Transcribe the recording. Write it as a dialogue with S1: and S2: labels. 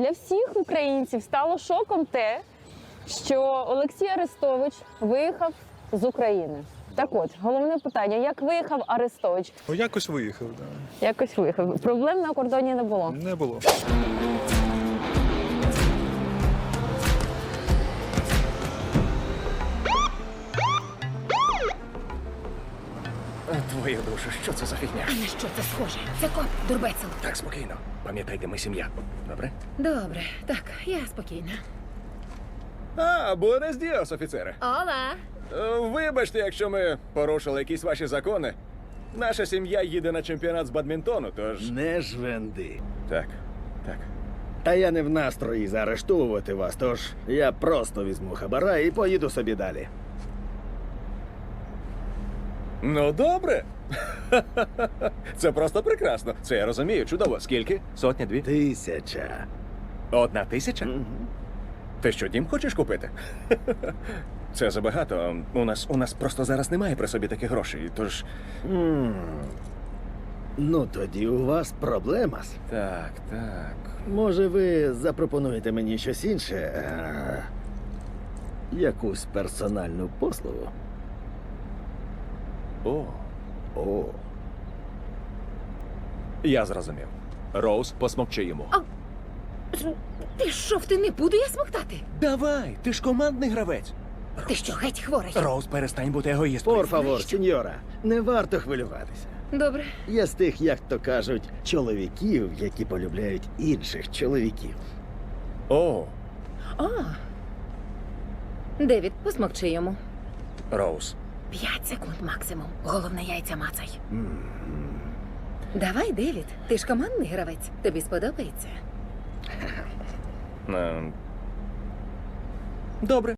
S1: для всіх українців стало шоком те, що Олексій Арестович виїхав з України. Так от, головне питання, як виїхав Арестович?
S2: Ну, якось виїхав, так.
S1: Якось виїхав. Проблем на кордоні не було.
S2: Не було.
S3: Твою душу, що це за фігня?
S4: А на що це схоже? Це коп, дурбецел.
S3: Так, спокійно. Пам'ятайте, ми сім'я. Добре?
S4: Добре, так, я спокійна.
S3: А, буенес діос, офіцере.
S4: Ола!
S3: Вибачте, якщо ми порушили якісь ваші закони. Наша сім'я їде на чемпіонат з бадмінтону, тож.
S5: Не жвенди.
S3: Так, так.
S5: Та я не в настрої заарештовувати вас, тож я просто візьму хабара і поїду собі далі.
S3: Ну, добре. Це просто прекрасно. Це я розумію. Чудово. Скільки? Сотня, дві?
S5: 1000.
S3: 1000? Ти що, дім хочеш купити? Це забагато. У нас просто зараз немає при собі таких грошей, тож.
S5: Ну тоді у вас проблема.
S3: Так, так.
S5: Може, ви запропонуєте мені щось інше? Якусь персональну послугу?
S3: О,
S5: О,
S3: я зрозумів. Роуз, посмокчи йому.
S4: Ти що, ти не буду я смоктати?
S3: Давай, ти ж командний гравець.
S4: Ти що, геть хворий?
S3: Роуз, перестань бути егоїсткою.
S5: пор фавор, сеньора, не варто хвилюватися.
S4: Добре.
S5: Я з тих, як то кажуть, чоловіків, які полюбляють інших чоловіків.
S3: О,
S4: О! Девід, посмокчи йому.
S3: Роуз.
S4: 5 секунд максимум. Головне, яйця мацай. Давай, Девід, ти ж командний гравець. Тобі сподобається?
S3: Добре.